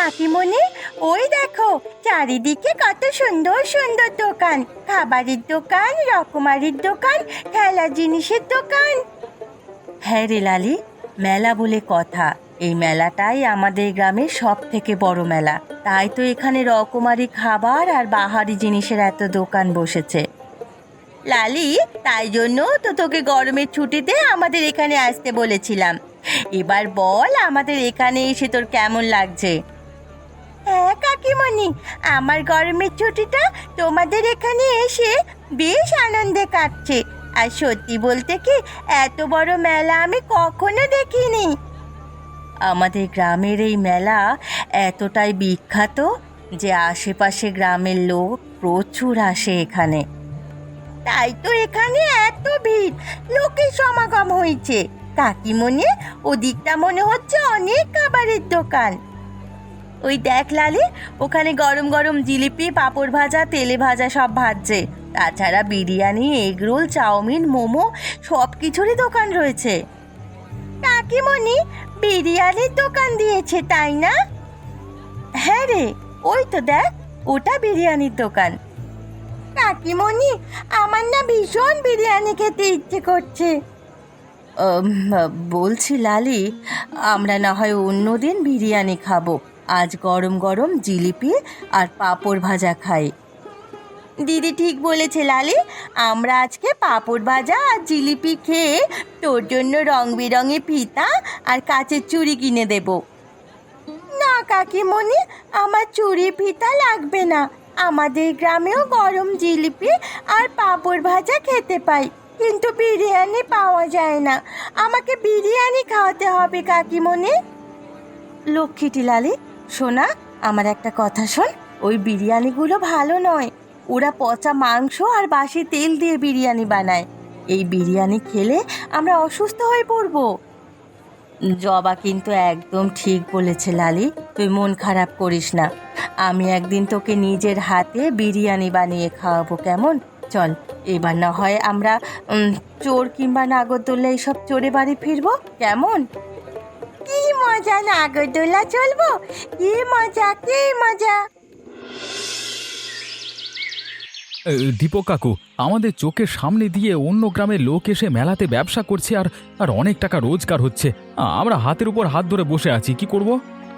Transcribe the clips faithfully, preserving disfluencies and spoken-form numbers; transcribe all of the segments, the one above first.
কাকিমণি, ওই দেখো চারিদিকে কত সুন্দর সুন্দর দোকান, খাবারের দোকান, রকমারির দোকান, খেলার জিনিসের দোকান। হ্যাঁ রে লালি, মেলা বলে কথা। এই মেলাটাই আমাদের গ্রামের সব থেকে বড় মেলা, তাই তো এখানে রকমারি খাবার আর বাহারি জিনিসের এত দোকান বসেছে। লালি, তাই জন্য তো তোকে গরমের ছুটিতে আমাদের এখানে আসতে বলেছিলাম। এবার বল, আমাদের এখানে এসে তোর কেমন লাগছে? হ্যাঁ কাকিমণি, আমার গরমের ছুটিটা তোমাদের এখানে এসে বেশ আনন্দে কাটছে। আর সত্যি বলতে কি, এত বড় মেলা আমি কখনো দেখিনি। আমাদের গ্রামের এই মেলা এতটাই বিখ্যাত যে আশেপাশে গ্রামের লোক প্রচুর আসে এখানে। তাই তো এখানে এত ভিড়, লোকের সমাগম হয়েছে। কাকিমণি, ওদিকটা মনে হচ্ছে অনেক খাবারের দোকান। ওই দেখ লালি, ওখানে গরম গরম জিলিপি, পাঁপড় ভাজা, তেলে ভাজা সব ভাজছে। তাছাড়া বিরিয়ানি, এগরোল, চাউমিন, মোমো সব কিছুরই দোকান রয়েছে। কাকিমণি, বিরিয়ানির দোকান দিয়েছে তাই না? হ্যাঁ রে, ওই তো দেখ, ওটা বিরিয়ানির দোকান। কাকিমণি, আমার না ভীষণ বিরিয়ানি খেতে ইচ্ছে করছে। বলছি লালি, আমরা না হয় অন্যদিন বিরিয়ানি খাবো, আজ গরম গরম জিলিপি আর পাঁপড় ভাজা খাই। দিদি ঠিক বলেছে লালি, আমরা আজকে পাঁপড় ভাজা আর জিলিপি খেয়ে তোর জন্য রং বেরঙের ফিতা আর কাচের চুড়ি কিনে দেব। না কাকিমণি, আমার চুড়ি ফিতা লাগবে না। আমাদের গ্রামেও গরম জিলিপি আর পাঁপড় ভাজা খেতে পাই, কিন্তু বিরিয়ানি পাওয়া যায় না। আমাকে বিরিয়ানি খাওয়াতে হবে কাকিমণি। লক্ষ্মীটি লালি, শোনা, আমার একটা কথা শোন। ওই বিরিয়ানিগুলো ভালো নয়, ওরা পচা মাংস আর বাসি তেল দিয়ে বিরিয়ানি বানায়। এই বিরিয়ানি খেলে আমরা অসুস্থ হয়ে পড়ব। জবা কিন্তু একদম ঠিক বলেছে লালি, তুই মন খারাপ করিস না। আমি একদিন তোকে নিজের হাতে বিরিয়ানি বানিয়ে খাওয়াবো, কেমন? চল, এবার না হয় আমরা চোর কিংবা নাগরদোল্লা এইসব চড়ে বাড়ি ফিরবো, কেমন? কি মজা, নাগরদোল্লা চলবো, কি মজা, কি মজা। দীপক কাকু, আমাদের চোখের সামনে দিয়ে অন্য গ্রামের লোক এসে মেলাতে ব্যবসা করছে আর আর অনেক টাকা রোজগার হচ্ছে। আমরা হাতের উপর হাত ধরে বসে আছি, কি করব?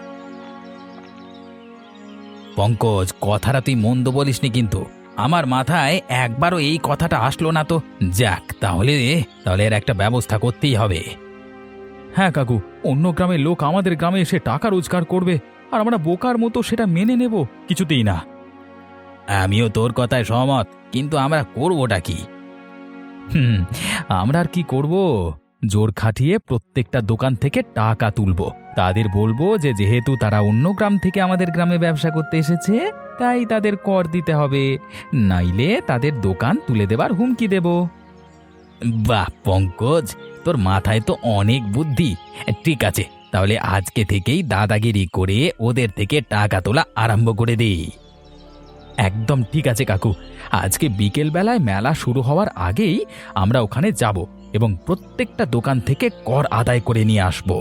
পঙ্কজ, কথাটা তুই মন্দ বলিসনি, কিন্তু আমার মাথায় একবারও এই কথাটা আসলো না তো। যাক, তাহলে তাহলে এর একটা ব্যবস্থা করতেই হবে। হ্যাঁ কাকু, অন্য গ্রামের লোক আমাদের গ্রামে এসে টাকা রোজগার করবে আর আমরা বোকার মতো সেটা মেনে নেব? কিছুতেই না। আমিও তোর কথায় সহমত, কিন্তু আমরা করবোটা কি? হুম আমরা আর কি করব? জোর খাটিয়ে প্রত্যেকটা দোকান থেকে টাকা তুলবো, তাদের বলবো যে যেহেতু তারা অন্য গ্রাম থেকে আমাদের গ্রামে ব্যবসা করতে এসেছে, তাই তাদের কর দিতে হবে, নাইলে তাদের দোকান তুলে দেবার হুমকি দেব। বাহ পঙ্কজ, তোর মাথায় তো অনেক বুদ্ধি। ঠিক আছে, তাহলে আজকে থেকেই দাদাগিরি করে ওদের থেকে টাকা তোলা আরম্ভ করে দিই। একদম ঠিক আছে কাকু, আজকে বিকেল বেলায় মেলা শুরু হওয়ার আগেই আমরা ওখানে যাব এবং প্রত্যেকটা দোকান থেকে কর আদায় করে নিয়ে আসব।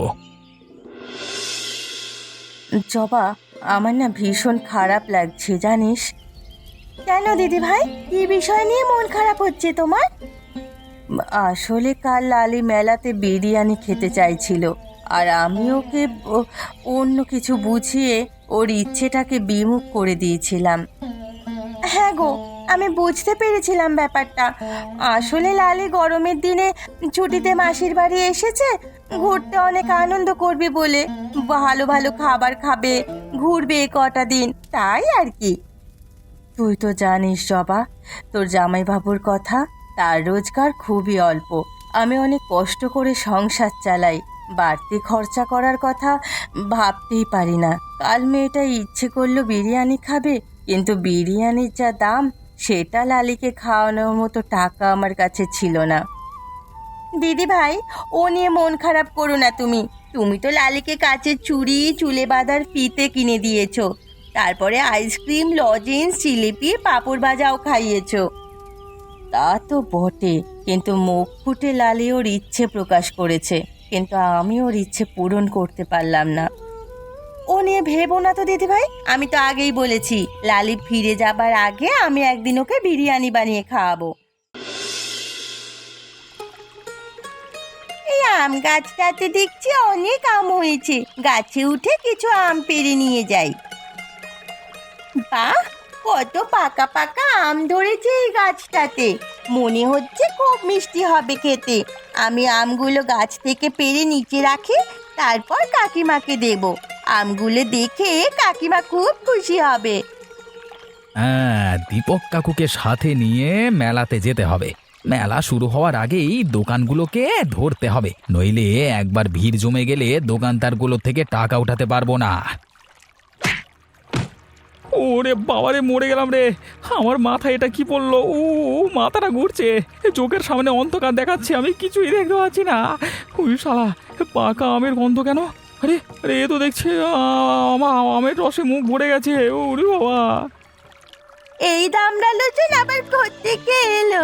জবা, আমার না ভীষণ খারাপ লাগছে জানিস। কেন দিদি ভাই, কি বিষয় নিয়ে মন খারাপ হচ্ছে তোমার? আসলে কাল লালি মেলাতে বিরিয়ানি খেতে চাইছিল, আর আমি ওকে অন্য কিছু বুঝিয়ে ওর ইচ্ছেটাকে বিমুখ করে দিয়েছিলাম। হ্যাঁ গো, আমি বুঝতে পেরেছিলাম ব্যাপারটা। আসলে লালি গরমের দিনে ছুটিতে মাসির বাড়ি এসেছে, ঘুরতে অনেক আনন্দ করবে বলে, ভালো ভালো খাবার খাবে, ঘুরবে কটা দিন, তাই আর কি। তুই তো জানিস জবা, তোর জামাইবাবুর কথা, তার রোজগার খুবই অল্প। আমি অনেক কষ্ট করে সংসার চালাই, বাড়তি খরচা করার কথা ভাবতেই পারি না। কাল মেয়েটা ইচ্ছে করলো বিরিয়ানি খাবে, কিন্তু বিরিয়ানির যা দাম, সেটা লালিকে খাওয়ানোর মতো টাকা আমার কাছে ছিল না। দিদি ভাই, ও নিয়ে মন খারাপ করো না তুমি। তুমি তো লালিকে কাচের চুড়ি, চুলে বাঁধার ফিতে কিনে দিয়েছো, তারপরে আইসক্রিম, লজেন্স, জিলিপি, পাঁপড় ভাজাও খাইয়েছো। তা তো বটে, কিন্তু মুখ ফুটে লালি ওর ইচ্ছে প্রকাশ করেছে, কিন্তু আমি ওর ইচ্ছে পূরণ করতে পারলাম না। ও নিয়ে ভেবো না তো দিদি ভাই, আমি তো আগেই বলেছি লালি ফিরে যাবার আগে আমি একদিন ওকে বিরিয়ানি বানিয়ে খাওয়াবো। এই আম গাছটাতে দেখছি অনেক আম হয়েছে, গাছে উঠে কিছু আম পেড়ে নিয়ে যাই। বাহ, কত পাকা পাকা আম ধরেছে এই গাছটাতে, মনে হচ্ছে খুব মিষ্টি হবে খেতে। আমি আমগুলো গাছ থেকে পেড়ে নিচে রাখি, তারপর কাকিমাকে দেব। আমগুলো দেখে কাকিমা খুব খুশি হবে। হ্যাঁ, দীপক কাকুকে সাথে নিয়ে মেলাতে যেতে হবে। মেলা শুরু হওয়ার আগেই দোকানগুলোকে ধরতে হবে, নইলে একবার ভিড় জমে গেলে দোকানদারগুলো থেকে টাকা উঠাতে পারবো না। ওরে বাবারে, মরে গেলাম রে! আমার মাথায় এটা কি পড়লো? ও মাথাটা ঘুরছে, চোখের সামনে অন্ধকার দেখাচ্ছে, আমি কিছুই দেখতে পাচ্ছি না। ওই শালা, পাকা আমের গন্ধ কেন? আরে আরে, এ তো দেখছি আমার আমের রসে মুখ ভরে গেছে। ওরে বাবা! এই দামড়া লোচন আবার থেকে এলো।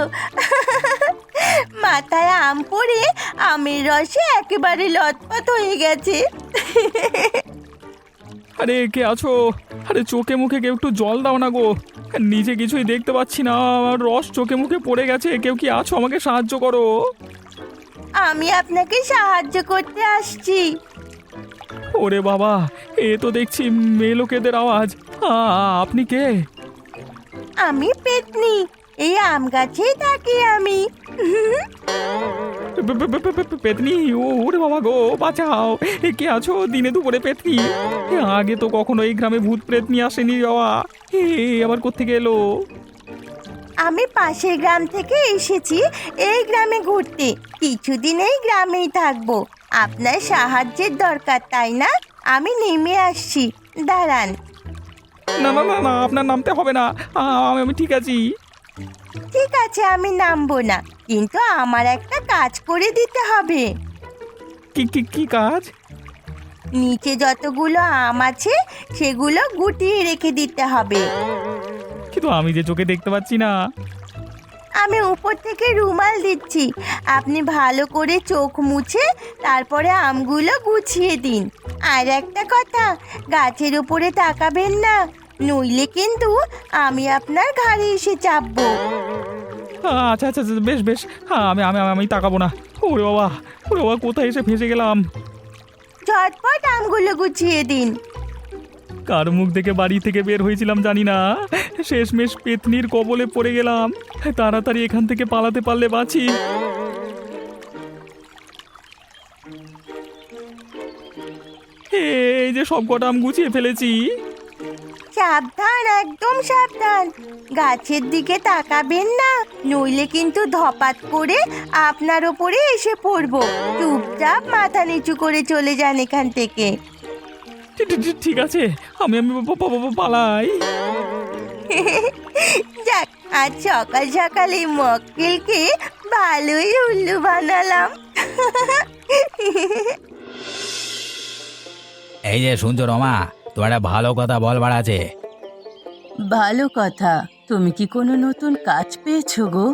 মাথায় আম পড়ে আমের রসে একেবারে লটপট হয়ে গেছে। আরে কে আছো? আরে চোখে মুখে কেউ একটু জল দাও না গো, নিজে কিছুই দেখতে পাচ্ছি না, আমার রস চোখে মুখে পড়ে গেছে। কেউ কি আছো? আমাকে সাহায্য করো। আমি আপনাকে সাহায্য করতে আসছি। ওরে বাবা, এ তো দেখছি মেয়ে লোকেদের আওয়াজ। আ- আপনি কে? আমি পেতনি, এই আম গাছেই থাকি আমি। পে- পে- পে- পে- পে- পেতনি? ও- ওরে বাবা গো, বাঁচাও! এ কে আছো দিনে দুপুরে পেতনি? এ, আগে তো কখনো এই গ্রামে ভূত প্রেতনি আসেনি বাবা। এ আবার কোত্থেকে এলো? আমি পাশের গ্রাম থেকে এসেছি এই গ্রামে ঘুরতে, কিছুদিন এই গ্রামেই থাকবো। আপনার সাহায্যের দরকার তাই না? আমি নেমে আসছি, দাঁড়ান। না না না না, আপনার নামতে হবে না, আ- আমি আমি ঠিক আছি। ঠিক আছে, আমি নামবো না, কিন্তু আমার একটা কাজ করে দিতে হবে। কি কি কি কাজ? নিচে যতগুলো আম আছে সেগুলো গুটিয়ে রেখে দিতে হবে। কিন্তু আমি যে চোখে দেখতে পাচ্ছি না। আমি উপর থেকে রুমাল দিচ্ছি, আপনি ভালো করে চোখ মুছে তারপরে আমগুলো গুছিয়ে দিন। আর একটা কথা, গাছের উপরে তাকাবেন না, নইলে কিন্তু আমি আপনার ঘাড়ে এসে চাপবো। আচ্ছা আচ্ছা আচ্ছা, বেশ বেশ, হ্যাঁ আমি আমি আমি আমি তাকাবো না। ওরে বাবা, ওরে বাবা, কোথায় এসে ফেঁসে গেলাম! ঝটপট আমগুলো গুছিয়ে দিন। কার মুখ থেকে বাড়ি থেকে বের হয়েছিলাম জানি না, শেষমেশ পেতনির কবলে পড়ে গেলাম। তাড়াতাড়ি এখান থেকে পালাতে পারলে বাঁচি। এই যে সব কটা আম গুছিয়ে ফেলেছি। সাবধান, একদম সাবধান, গাছের দিকে তাকাবেন না, নইলে কিন্তু ধপাত করে আপনার ওপরে এসে পড়বো। চুপচাপ মাথা নিচু করে চলে যান এখান থেকে। ঠিক- ঠিক- ঠিক আছে, আমি আমি পা- পা- পা- পালাই। যাক, আজ সকাল সকাল এই মক্কেলকে ভালোই উল্লু বানালাম। এই যে শুনছো রমা, তোমার একটা ভালো কথা বলবার আছে। ভালো কথা, তুমি কি কোনো নতুন কাজ পেয়েছো গো?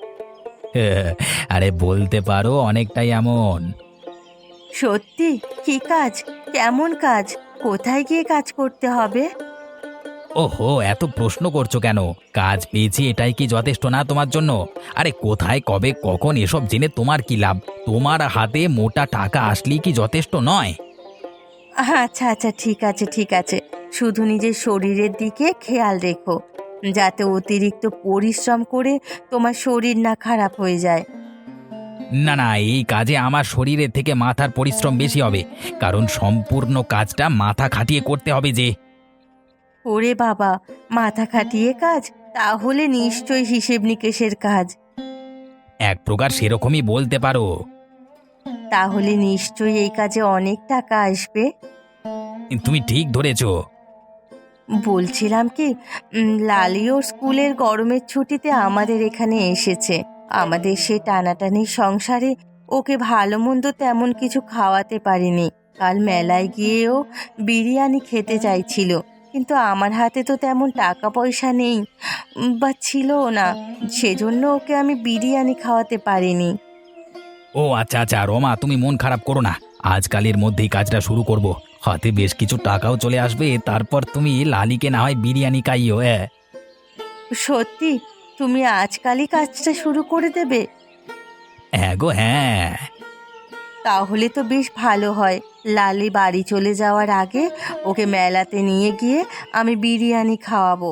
আরে বলতে পারো অনেকটাই এমন। সত্যি? কি কাজ? কেমন কাজ? কোথায় গিয়ে কাজ করতে হবে? ওহো, এত প্রশ্ন করছো কেন? কাজ পেয়েছি এটাই কি যথেষ্ট না তোমার জন্য? আরে কোথায় কবে কখন এসব জেনে তোমার কি লাভ? তোমার হাতে মোটা টাকা আসলেই কি যথেষ্ট নয়? আচ্ছা আচ্ছা, ঠিক আছে ঠিক আছে, শুধু নিজের শরীরের দিকে খেয়াল রেখো, যাতে অতিরিক্ত পরিশ্রম করে তোমার শরীর না খারাপ হয়ে যায়। না না, এই কাজে আমার শরীরের থেকে মাথার পরিশ্রম বেশি হবে, কারণ সম্পূর্ণ কাজটা মাথা খাটিয়ে করতে হবে যে। ওরে বাবা, মাথা খাটিয়ে কাজ? তাহলে নিশ্চয়ই হিসেব নিকেশের কাজ। এক প্রকার সেরকমই বলতে পারো। তাহলে নিশ্চয়ই এই কাজে অনেক টাকা আসবে। তুমি ঠিক ধরেছো। বলছিলাম কি, উম, লালি ওর স্কুলের গরমের ছুটিতে আমাদের এখানে এসেছে। আমাদের সে টানাটানি সংসারে ওকে ভালো মন্দ তেমন কিছু খাওয়াতে পারিনি। কাল মেলায় গিয়েও বিরিয়ানি খেতে চাইছিল, কিন্তু আমার হাতে তো তেমন টাকা পয়সা নেই, উম, বা ছিলও না, সেজন্য ওকে আমি বিরিয়ানি খাওয়াতে পারিনি। ও আচ্ছা আচ্ছা রমা, তুমি মন খারাপ করো না, আজকালের মধ্যেই কাজটা শুরু করব। হাতে বেশ কিছু টাকাও চলে আসবে, তারপর তুমি লালিকে না হয় বিরিয়ানি খাইও। হ্যাঁ সত্যি তুমি আজকালই কাজটা শুরু করে দেবে? হ্যাঁ গো হ্যাঁ। তাহলে তো বেশ ভালো হয়। লালি বাড়ি চলে যাওয়ার আগে ওকে মেলাতে নিয়ে গিয়ে আমি বিরিয়ানি খাওয়াবো।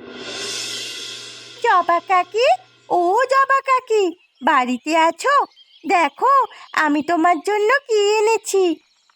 জবা কাকি, ও জবা কাকি, বাড়িতে আছো? দেখো আমি তোমার জন্য কি এনেছি।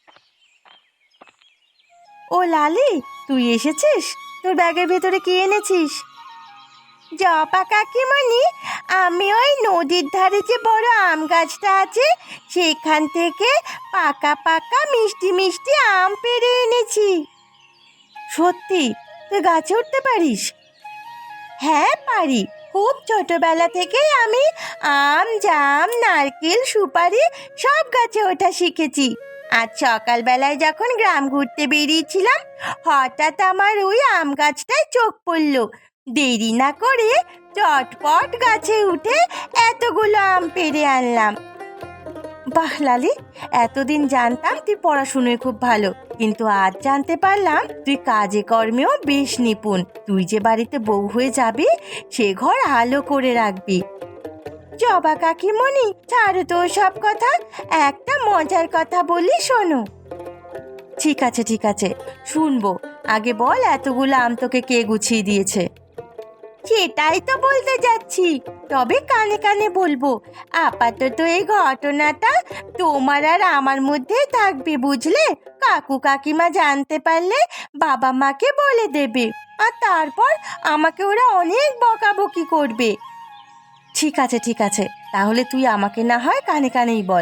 ও লালি, তুই এসেছিস? তোর ব্যাগের ভেতরে কি এনেছিস? জবা কাকিমণি, আমি ওই নদীর ধারে যে বড় আম গাছটা আছে সেখান থেকে পাকা পাকা মিষ্টি মিষ্টি আম পেড়ে এনেছি। সত্যি তুই গাছে উঠতে পারিস? হ্যাঁ পারি। খুব ছোটবেলা থেকেই আমি আম, জাম, নারকেল, সুপারি সব গাছে ওঠা শিখেছি। আজ সকালবেলায় যখন গ্রাম ঘুরতে বেরিয়েছিলাম, হঠাৎ আমার ওই আম গাছটায় চোখ পড়ল। দেরি না করে চটপট গাছে উঠে এতগুলো আম পেড়ে আনলাম। বাহ লালি, এতদিন জানতাম তুই পড়াশুনোয় খুব ভালো, কিন্তু আজ জানতে পারলাম তুই কাজে কর্মেও বেশ নিপুণ। তুই যে বাড়িতে বউ হয়ে যাবি, সে ঘর আলো করে রাখবি। জবা কাকিমণি, ছাড়ো তো সব কথা, একটা মজার কথা বলি শোনো। ঠিক আছে ঠিক আছে, শুনবো। আগে বল, এতগুলো আম তোকে কে গুছিয়ে দিয়েছে? সেটাই তো বলতে যাচ্ছি, তবে কানে কানে বলবো। আপাতত এই ঘটনাটা তোমার আর আমার মধ্যেই থাকবে, বুঝলে? কাকু কাকিমা জানতে পারলে বাবা মাকে বলে দেবে, আর তারপর আমাকে ওরা অনেক বকাবকি করবে। ঠিক আছে ঠিক আছে, তাহলে তুই আমাকে না হয় কানে কানেই বল।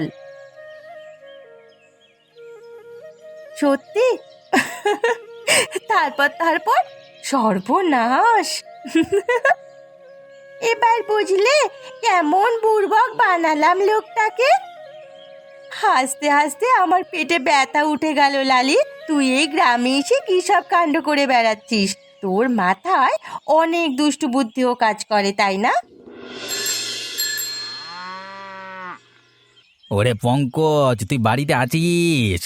সত্যি? তারপর তারপর সর্বনাশ। এবার বুঝলে কেমন বুড়বক বানালাম লোকটাকে? হাসতে হাসতে আমার পেটে ব্যথা উঠে গেল। লালি, তুই এই গ্রামে এসে কি সব কাণ্ড করে বেড়াচ্ছিস? তোর মাথায় অনেক দুষ্টু বুদ্ধিও কাজ করে, তাই না? ওরে পঙ্কজ, তুই বাড়িতে আছিস?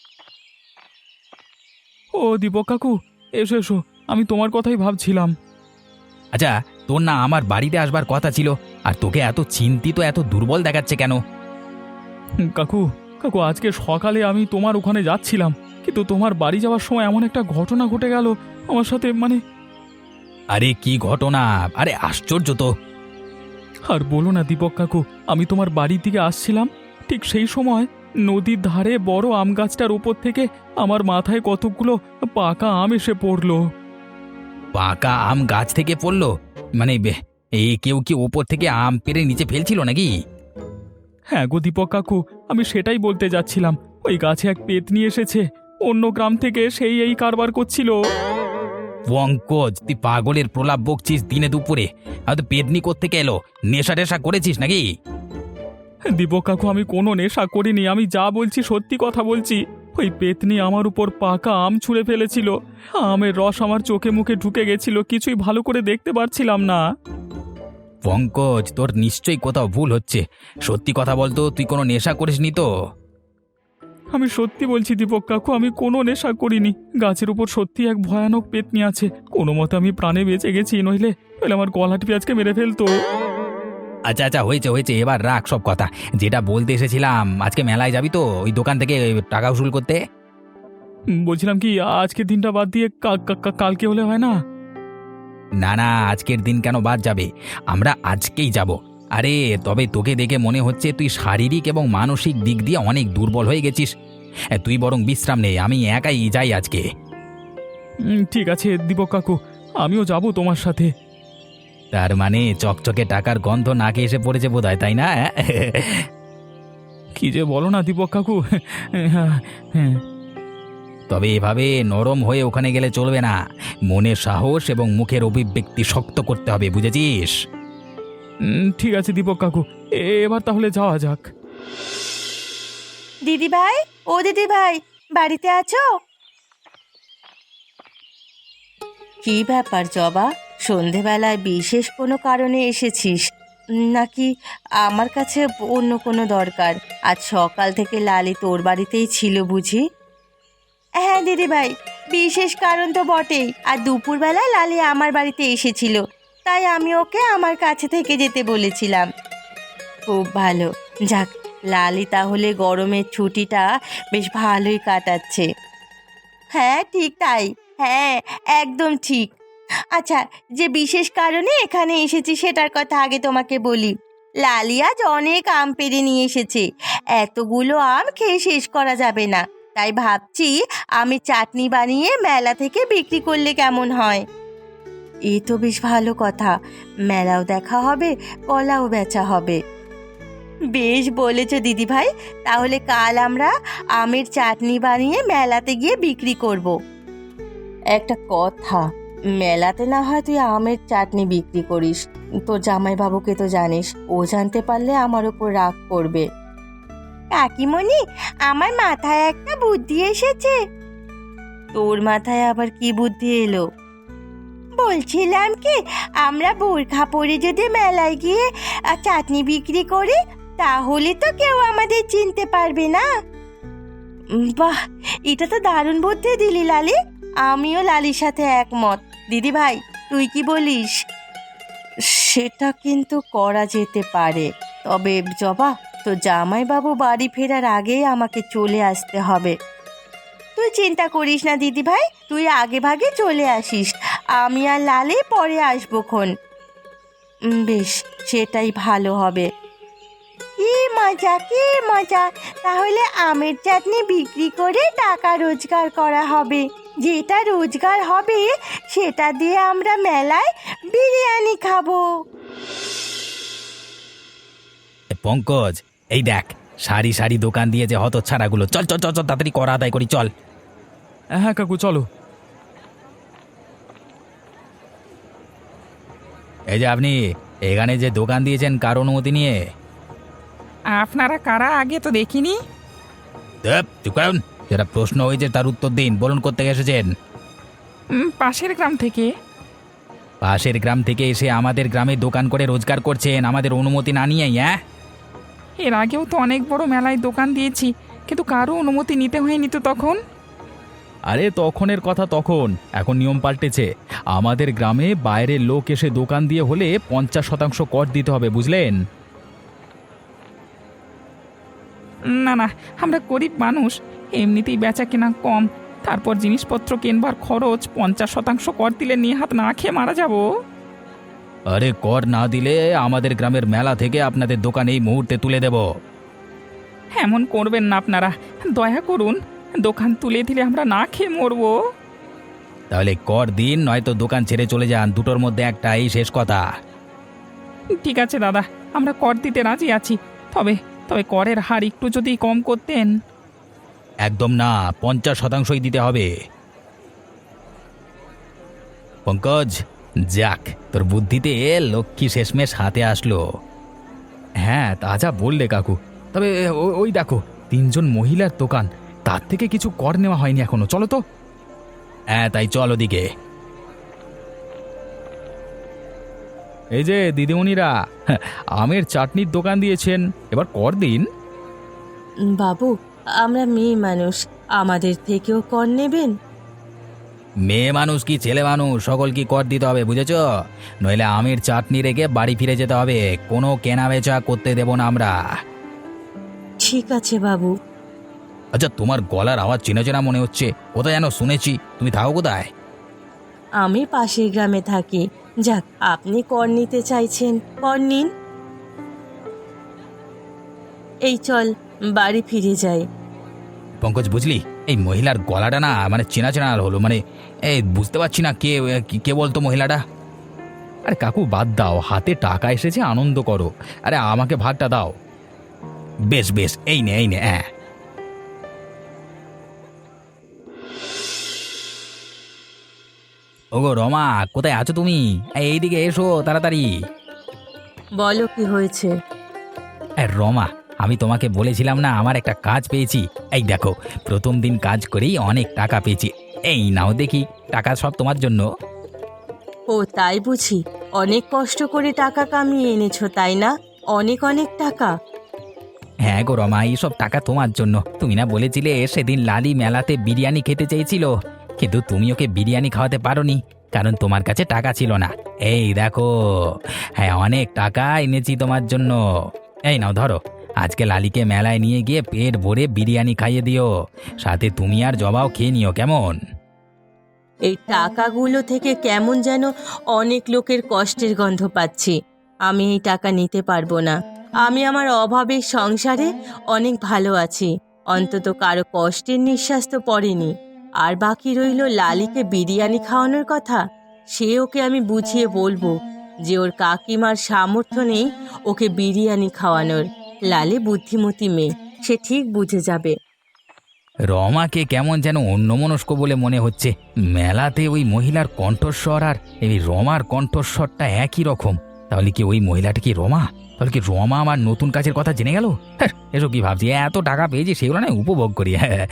ও দীপক কাকু, এসো এসো, আমি তোমার কথাই ভাবছিলাম। আচ্ছা, তোর না আমার বাড়িতে আসবার কথা ছিল, আর তোকে এত চিন্তিত, এত দুর্বল দেখাচ্ছে কেন? হুম, কাকু কাকু আজকে সকালে আমি তোমার ওখানে যাচ্ছিলাম, কিন্তু তোমার বাড়ি যাওয়ার সময় এমন একটা ঘটনা ঘটে গেল আমার সাথে, মানে। আরে কি ঘটনা? আরে আশ্চর্য তো। আর বলো না দীপক কাকু, আমি তোমার বাড়ির দিকে আসছিলাম, ঠিক সেই সময় নদীর ধারে বড় আম গাছটার উপর থেকে আমার মাথায় কতগুলো পাকা আম এসে পড়লো। পাকা আম গাছ থেকে পড়লো? মানে বে- এই কেউ কি ওপর থেকে আম পেড়ে নিচে ফেলছিল নাকি? হ্যাঁ গো দীপক কাকু, আমি সেটাই বলতে যাচ্ছিলাম। ওই গাছে এক পেতনি এসেছে, অন্য গ্রাম থেকে, সেই এই কারবার করছিল। পঙ্কজ, তুই পাগলের প্রলাপ বকছিস দিনে দুপুরে? হয়তো পেদনি কোত্থেকে এলো? নেশা টেশা করেছিস নাকি? দীপক কাকু, আমি কোনো নেশা করিনি, আমি যা বলছি সত্যি কথা বলছি। ওই পেতনি আমার উপর পাকা আম ছুঁড়ে ফেলেছিল। আমের রস আমার চোখে মুখে ঢুকে গেছিল, কিছুই ভালো করে দেখতে পারছিলাম না। পঙ্কজ, তোর নিশ্চয়ই কোথাও ভুল হচ্ছে। সত্যি কথা বলতো, তুই কোনো নেশা করিসনি তো? আমি সত্যি বলছি দীপক কাকু, আমি কোনো নেশা করিনি। গাছের উপর সত্যি এক ভয়ানক পেতনি আছে। কোনো মতে আমি প্রাণে বেঁচে গেছি, নইলে নইলে আমার গলা টিপে আজকে মেরে ফেলতো। আচ্ছা আচ্ছা, হয়েছে হয়েছে, এবার রাখ সব কথা। যেটা বলতে এসেছিলাম, আজকে মেলায় যাবি তো ওই দোকান থেকে টাকা উসুল করতে? উম, বলছিলাম কি, আজকের দিনটা বাদ দিয়ে কা- কা- কা- কালকে হলে হয় না? না না, আজকের দিন কেন বাদ যাবে? আমরা আজকেই যাব। আরে তবে তোকে দেখে মনে হচ্ছে তুই শারীরিক এবং মানসিক দিক দিয়ে অনেক দুর্বল হয়ে গেছিস। এ, তুই বরং বিশ্রাম নে, আমি একাই যাই আজকে। উম, ঠিক আছে দীপক কাকু, আমিও যাব তোমার সাথে। তার মানে চকচকে টাকার গন্ধ নাকে এসে পড়েছে বোধহয়, তাই না? কি যে বলো না দীপক কাকু। হ্যাঁ হ্যাঁ। তবে এভাবে নরম হয়ে ওখানে গেলে চলবে না। মনের সাহস এবং মুখের অভিব্যক্তি শক্ত করতে হবে, বুঝেছিস? উম, ঠিক আছে দীপক কাকু, এ- এবার তাহলে যাওয়া যাক। দিদি ভাই, ও দিদি ভাই, বাড়িতে আছো? কি ব্যাপার জবা, সন্ধেবেলায় বিশেষ কোনো কারণে এসেছিস নাকি আমার কাছে অন্য কোনো দরকার? আজ সকাল থেকে লালি তোর বাড়িতেই ছিল বুঝি? হ্যাঁ দিদি ভাই, বিশেষ কারণ তো বটেই। আর দুপুরবেলা লালি আমার বাড়িতে এসেছিল, তাই আমি ওকে আমার কাছে থেকে যেতে বলেছিলাম। খুব ভালো। যাক, লালি তাহলে গরমের ছুটিটা বেশ ভালোই কাটাচ্ছে। হ্যাঁ ঠিক তাই, হ্যাঁ একদম ঠিক। আচ্ছা, যে বিশেষ কারণে এখানে এসেছি সেটার কথা আগে তোমাকে বলি। লালি আজ অনেক আম পেড়ে নিয়ে এসেছে। এতগুলো আম খেয়ে শেষ করা যাবে না, তাই ভাবছি আমি চাটনি বানিয়ে মেলা থেকে বিক্রি করলে কেমন হয়। এ তো বেশ ভালো কথা, মেলাও দেখা হবে, কলাও বেচা হবে। বেশ বলেছ দিদি ভাই, তাহলে কাল আমরা আমের চাটনি বানিয়ে মেলাতে গিয়ে বিক্রি করব। একটা কথা, মেলাতে না হয় তুই আমের চাটনি বিক্রি করিস, তোর জামাইবাবুকে তো জানিস, ও জানতে পারলে আমার উপর রাগ করবে। কাকিমণি, আমার মাথায় একটা বুদ্ধি এসেছে। তোর মাথায় আবার কি বুদ্ধি এলো? বলছিলাম কি, আমরা বোরখা পরে যদি মেলায় গিয়ে আহ, চাটনি বিক্রি করি, তাহলে তো কেউ আমাদের চিনতে পারবে না। উম, বাহ, এটা তো দারুণ বুদ্ধি দিলি লালি। আমিও লালির সাথে একমত। দিদি ভাই, তুই কি বলিস? সেটা কিন্তু করা যেতে পারে, তবে জবা, তো জামাইবাবু বাড়ি ফেরার আগেই আমাকে চলে আসতে হবে। তুই চিন্তা করিস না দিদি ভাই, তুই আগে ভাগে চলে আসিস, আমি আর লালি পরে আসবো খন। উম, বেশ, সেটাই ভালো হবে। কি মজা, কি মজা! তাহলে আমের চাটনি বিক্রি করে টাকা রোজগার করা হবে। যেটা রোজগার হবে সেটা দিয়ে আমরা মেলায় বিরিয়ানি খাবো। এ, পঙ্কজ, এই দেখ, সারি সারি দোকান দিয়ে যে হতচ্ছাড়াগুলো, চল চল চল চল, তাড়াতাড়ি করা আদায় করি, চল। হ্যাঁ কাকু চলো। এই যে আপনি এখানে যে দোকান দিয়েছেন কার অনুমতি নিয়ে? আপনারা কারা, আগে তো দেখিনি। ধ্যাৎ, চুপ করুন। যেটা প্রশ্ন হয়েছে তার উত্তর দিন। বলুন কোত্থেকে এসেছেন? উম, পাশের গ্রাম থেকে। পাশের গ্রাম থেকে এসে আমাদের গ্রামে দোকান করে রোজগার করছেন আমাদের অনুমতি না নিয়েই? হ্যাঁ, এর আগেও তো অনেক বড় মেলায় দোকান দিয়েছি, কিন্তু কারো অনুমতি নিতে হয়নি তো তখন। আরে তখনের কথা তখন, এখন নিয়ম পাল্টেছে। আমাদের গ্রামে বাইরের লোক এসে দোকান দিয়ে হলে পঞ্চাশ শতাংশ কর দিতে হবে, বুঝলেন? না না, আমরা গরিব মানুষ, এমনিতেই বেচা কেনা কম, তারপর জিনিসপত্র কিনবার খরচ, পঞ্চাশ শতাংশ কর দিলে নিয়ে হাত না খেয়ে মারা যাব। আরে কর না দিলে আমাদের গ্রামের মেলা থেকে আপনাদের দোকান এই মুহূর্তে তুলে দেব। এমন করবেন না আপনারা, দয়া করুন, দোকান তুলে দিলে আমরা না খেয়ে মরবো। তাহলে কর দিন, নয়তো দোকান ছেড়ে চলে যান, দুটোর মধ্যে একটা, এই শেষ কথা। ঠিক আছে দাদা, আমরা কর দিতে রাজি আছি, তবে তবে করের হার একটু যদি কম করতেন। একদম না, পঞ্চাশ শতাংশই দিতে হবে। পঙ্কজ, যাক, তোর বুদ্ধিতে লক্ষ্মী শেষমেশ হাতে আসলো। হ্যাঁ তা যা বললে কাকু, তবে ও- ওই দেখো, তিনজন মহিলার দোকান, তার থেকে কিছু কর নেওয়া হয়নি এখনো। চলো তো। হ্যাঁ, তাই চল ওদিকে। এই যে দিদিমণিরা, হ্যাঁ, আমের চাটনির দোকান দিয়েছেন, এবার কর দিন। বাবু, আমরা মেয়ে মানুষ, আমাদের থেকেও কর নেবেন? মেয়ে মানুষ কি ছেলে মানুষ, সকল কি কর দিতে হবে, বুঝেছ? নইলে আমের চাটনি রেখে বাড়ি ফিরে যেতে হবে, কোনো কেনা বেচা করতে দেব না আমরা। ঠিক আছে বাবু। আচ্ছা, তোমার গলার আওয়াজ চেনা চেনা মনে হচ্ছে, কোথায় যেন শুনেছি। তুমি থাকো কোথায়? আমি পাশের গ্রামে থাকি। যাক, আপনি কর নিতে চাইছেন, কর নিন। এই চল, বাড়ি ফিরে যাই। পঙ্কজ, বুঝলি, এই মহিলার গলাটা না মানে চেনা চেনা হলো, মানে এই বুঝতে পারছি না কে কি- কে বলতো মহিলাটা। আরে কাকু বাদ দাও, হাতে টাকা এসেছে, আনন্দ করো। আরে আমাকে ভাগটা দাও। বেশ বেশ, এই নে এই নে, হ্যাঁ। ওগো রমা, কোথায় আছো তুমি? এই, এইদিকে এসো তাড়াতাড়ি। বলো কি হয়েছে? এই রমা, আমি তোমাকে বলেছিলাম না আমার একটা কাজ পেয়েছি। এই দেখো, প্রথম দিন কাজ করেই অনেক টাকা পেয়েছি। এই নাও দেখি, টাকা সব তোমার জন্য। ও তাই বুঝি? অনেক কষ্ট করে টাকা কামিয়ে এনেছো, তাই না? অনেক অনেক টাকা। হ্যাঁ গো রমা, এইসব টাকা তোমার জন্য। তুমি না বলেছিলে সেদিন লালি মেলাতে বিরিয়ানি খেতে চেয়েছিল, কিন্তু তুমি ওকে বিরিয়ানি খাওয়াতে পারোনি, কারণ তোমার কাছে টাকা ছিল না। এই দেখো, হ্যাঁ অনেক টাকা এনেছি তোমার জন্য। এই নাও ধরো, আজকে লালিকে মেলায় নিয়ে গিয়ে পেট ভরে বিরিয়ানি খাইয়ে দিও, সাথে তুমি আর জবাও খেয়ে নিও, কেমন? এই টাকাগুলো থেকে কেমন যেন অনেক লোকের কষ্টের গন্ধ পাচ্ছি। আমি এই টাকা নিতে পারবো না। আমি আমার অভাবের সংসারে অনেক ভালো আছি, অন্তত কারো কষ্টের নিঃশ্বাস তো পড়েনি। আর বাকি রইল লালিকে বিরিয়ানি খাওয়ানোর কথা। সে ওকে আমি বুঝিয়ে বলবো যে ওর কাকিমার সামর্থ্য নেই ওকে বিরিয়ানি খাওয়ানোর। লালি বুদ্ধিমতী মেয়ে, সে ঠিক বুঝে যাবে। রমাকে কেমন যেন অন্যমনস্ক বলে মনে হচ্ছে। মেলাতে ওই মহিলার কণ্ঠস্বর আর এই রমার কণ্ঠস্বরটা একই রকম। তাহলে কি ওই মহিলাটা কি রমা? তাহলে কি রমা আমার নতুন কাজের কথা জেনে গেল? হ্যাঁ, এসব কি ভাবছি, এত টাকা পেয়েছি সেগুলো না উপভোগ করি। হ্যাঁ।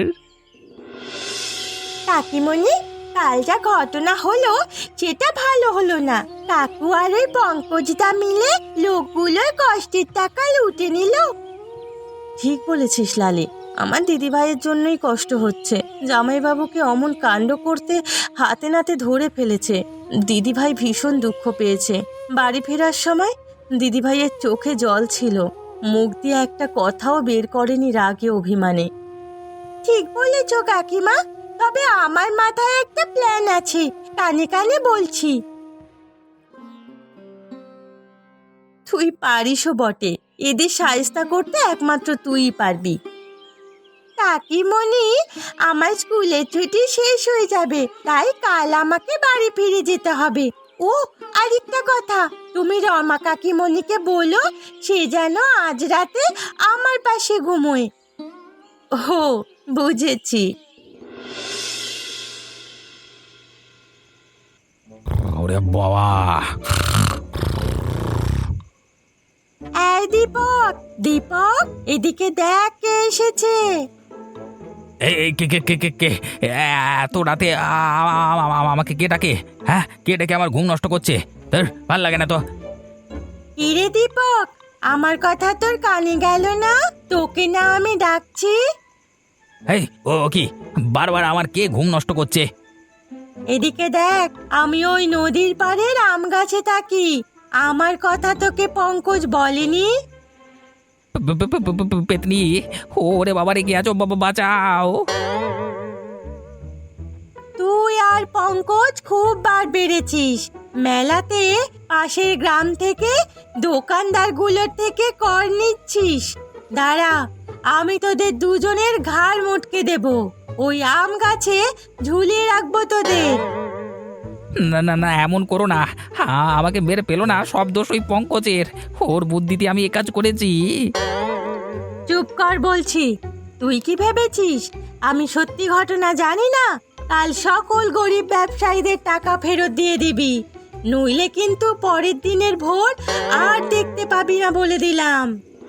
কাকিমণি, কাল যা ঘটনা হলো সেটা ভালো হলো না। কাকু আর ওই পঙ্কজদা মিলে লোকগুলোর কষ্টের টাকা লুটে নিল। ঠিক বলেছিস লালি, আমার দিদিভাইয়ের জন্যই কষ্ট হচ্ছে। জামাইবাবুকে অমন কাণ্ড করতে হাতে নাতে ধরে ফেলেছে। দিদিভাই ভীষণ দুঃখ পেয়েছে। বাড়ি ফেরার সময় দিদিভাইয়ের চোখে জল ছিল, মুখ দিয়ে একটা কথাও বের করেনি রাগে অভিমানে। ঠিক বলেছ কাকিমা, তবে আমার মাথায় একটা প্ল্যান আছে, কানে কানে বলছি। তুই পারিসও বটে, এদের সায়স্তা করতে একমাত্র তুই পারবি। কাকিমণি, আমার স্কুলের ছুটি শেষ হয়ে যাবে, তাই কাল আমাকে বাড়ি ফিরে যেতে হবে। ও আরেকটা কথা, তুমি রমা কাকিমণিকে বলো সে যেন আজ রাতে আমার পাশে ঘুমোয়। ও বুঝেছি। ওরে বাবা! এই দীপক, দীপক, এদিকে দেখ কে এসেছে। এই এই কে কে কে কে কে এত রাতে আ- আ- আ- আমাকে কে ডাকে? হ্যাঁ, কে ডেকে আমার ঘুম নষ্ট করছে? তোর ভাল লাগে না তো। কিরে দীপক, আমার কথা তোর কানে গেল না? তোকে না আমি ডাকছি। এই ও কি বারবার আমার কে ঘুম নষ্ট করছে? এদিকে দেখ, আমি ওই নদীর পাড়ের আম গাছে থাকি। আমার কথা তোকে পঙ্কজ বলেনি? প- প- প- প- প- পেতনি, ওরে বাবা রে, কি আছো? বাবা বাঁচাও! তুই আর পঙ্কজ খুব বার বেড়েছিস। মেলাতে পাশের গ্রাম থেকে দোকানদারগুলোর থেকে কর নিচ্ছিস। দাঁড়া, আমি তোদের দুজনের ঘাড় মুটকে দেব। ওই আম গাছে ঝুলিয়ে রাখবো তোদের। না না না, এমন করো না। হ্যাঁ, আমাকে মেরে পেলো না, সব দোষ ওই পঙ্কজের। ওর বুদ্ধিতে আমি এ কাজ করেছি। চুপ কর বলছি। তুই কি ভেবেছিস আমি সত্যি ঘটনা জানি না? কাল সকল গরিব ব্যবসায়ীদের টাকা ফেরত দিয়ে দিবি, নইলে কিন্তু পরের দিনের ভোর আর দেখতে পাবি না বলে দিলাম।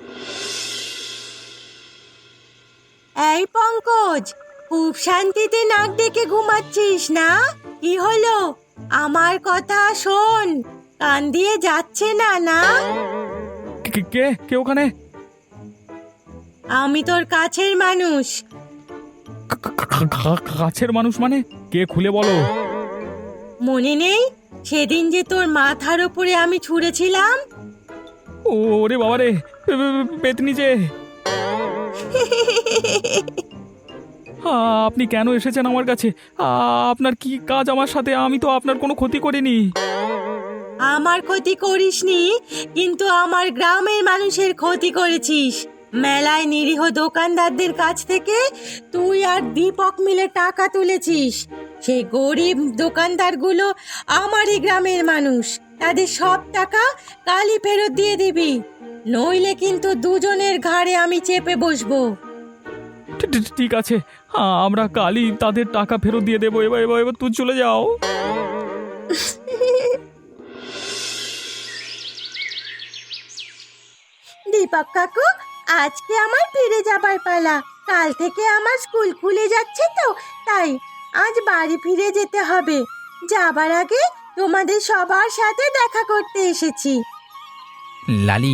এই পঙ্কজ, খুব শান্তিতে নাক ডেকে ঘুমাচ্ছিস না? কি হলো, আমার কথা শোন, কান দিয়ে যাচ্ছে না না? কে কে কে ওখানে? আমি তোর কাছের মানুষ। কাছের মানুষ মানে কে? খুলে বলো। মনে নেই সেদিন যে তোর মাথার উপরে আমি ছুঁড়েছিলাম? ওরে বাবা রে, পেতনি যে! আপনি কেন এসেছেন আমার কাছে? আপনার কি কাজ আমার সাথে? আমি তো আপনার কোনো ক্ষতি করিনি। আমার ক্ষতি করিসনি, কিন্তু আমার গ্রামের মানুষের ক্ষতি করেছিস। মেলায় নিরীহ দোকানদারদের কাছ থেকে তুই আর দীপক মিলে টাকা তুলেছিস। সেই গরিব দোকানদারগুলো আমারই গ্রামের মানুষ। তাদের সব টাকা কালই ফেরত দিয়ে দিবি, নইলে কিন্তু দুজনের ঘাড়ে আমি চেপে বসবো। ঠি- ঠি- ঠিক আছে, আমরা কালই তাদের টাকা ফেরত দিয়ে দেবো। এবার এবার এবার তুই চলে যাও। দীপক কাকু, আজকে আমার ফিরে যাবার পালা। কাল থেকে আমার স্কুল খুলে যাচ্ছে তো, তাই আজ বাড়ি ফিরে যেতে হবে। যাবার আগে তোমাদের সবার সাথে দেখা করতে এসেছি। লালি,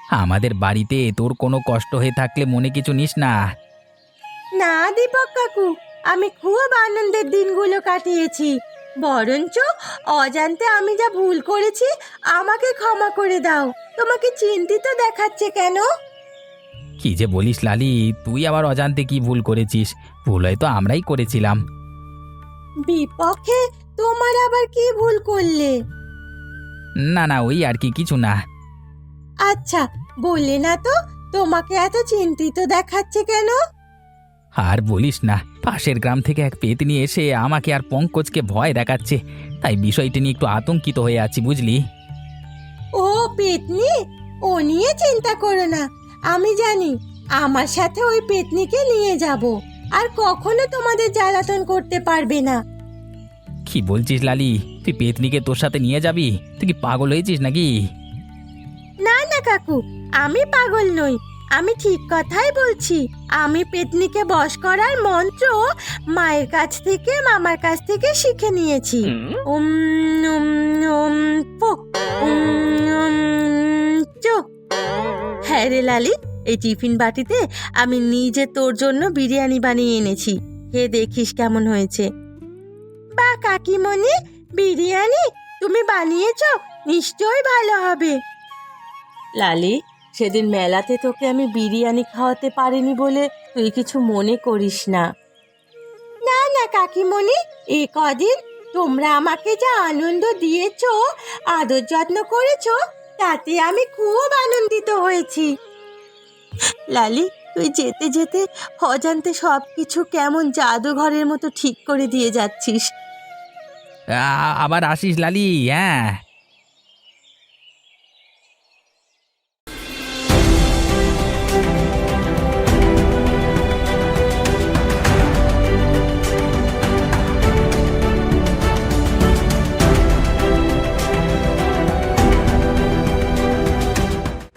আমাদের বাড়িতে তোর কোনো কষ্ট হয়ে থাকলে মনে কিছু নিস না। না দীপক কাকু, আমি খুব আনন্দের দিনগুলো কাটিয়েছি। বরঞ্চ অজান্তে আমি যা ভুল করেছি আমাকে ক্ষমা করে দাও। তোমাকে চিন্তিত দেখাচ্ছে কেন? কি যে বলিস লালি, তুই আবার অজান্তে কি ভুল করেছিস? ভুল হয়তো আমরাই করেছিলাম। বিপক্ষে তোমার আবার কি ভুল করলে? না না, ওই আর কি, কিছু না। আচ্ছা, বললে না তো তোমাকে এত চিন্তিত দেখাচ্ছে কেন? আর বলিস না, পাশের গ্রাম থেকে এক পেতনি এসে আমাকে আর পঙ্কজকে ভয় দেখাচ্ছে, তাই বিষয়টি নিয়ে একটু আতঙ্কিত হয়ে আছি, বুঝলি? ও পেতনি, ও নিয়ে চিন্তা করো না। আমি জানি, আমার সাথে ওই পেতনিকে নিয়ে যাব, আর কখনো তোমাদের জ্বালাতন করতে পারবে না। কি বলছিস লালি, তুই পেতনিকে তোর সাথে নিয়ে যাবি? তুই কি পাগল হয়েছিস নাকি? না না কাকু, আমি পাগল নই, আমি ঠিক কথাই বলছি। আমি পেতনিকে বশ করার মন্ত্র মায়ের কাছ থেকে, মামার কাছ থেকে শিখে নিয়েছি। উম উম উম পো, উম উম চো। হ্যাঁ রে লালি, এই টিফিন বাটিতে আমি নিজে তোর জন্য বিরিয়ানি বানিয়ে এনেছি, খেয়ে দেখিস কেমন হয়েছে। বা কাকিমণি, বিরিয়ানি তুমি বানিয়েছো? নিশ্চয়ই ভালো হবে। লালি, সেদিন মেলাতে তোকে আমি বিরিয়ানি খাওয়াতে পারিনি বলে তুই কিছু মনে করিস না। না না কাকিমণি, এ কদিন তোমরা আমাকে যা আনন্দ দিয়েছো, আদর যত্ন করেছো, তাতে আমি খুব আনন্দিত হয়েছি। লালি, তুই যেতে যেতে অজান্তে সব কিছু কেমন জাদুঘরের মতো ঠিক করে দিয়ে যাচ্ছিস। আ- আবার আসিস লালি, হ্যাঁ।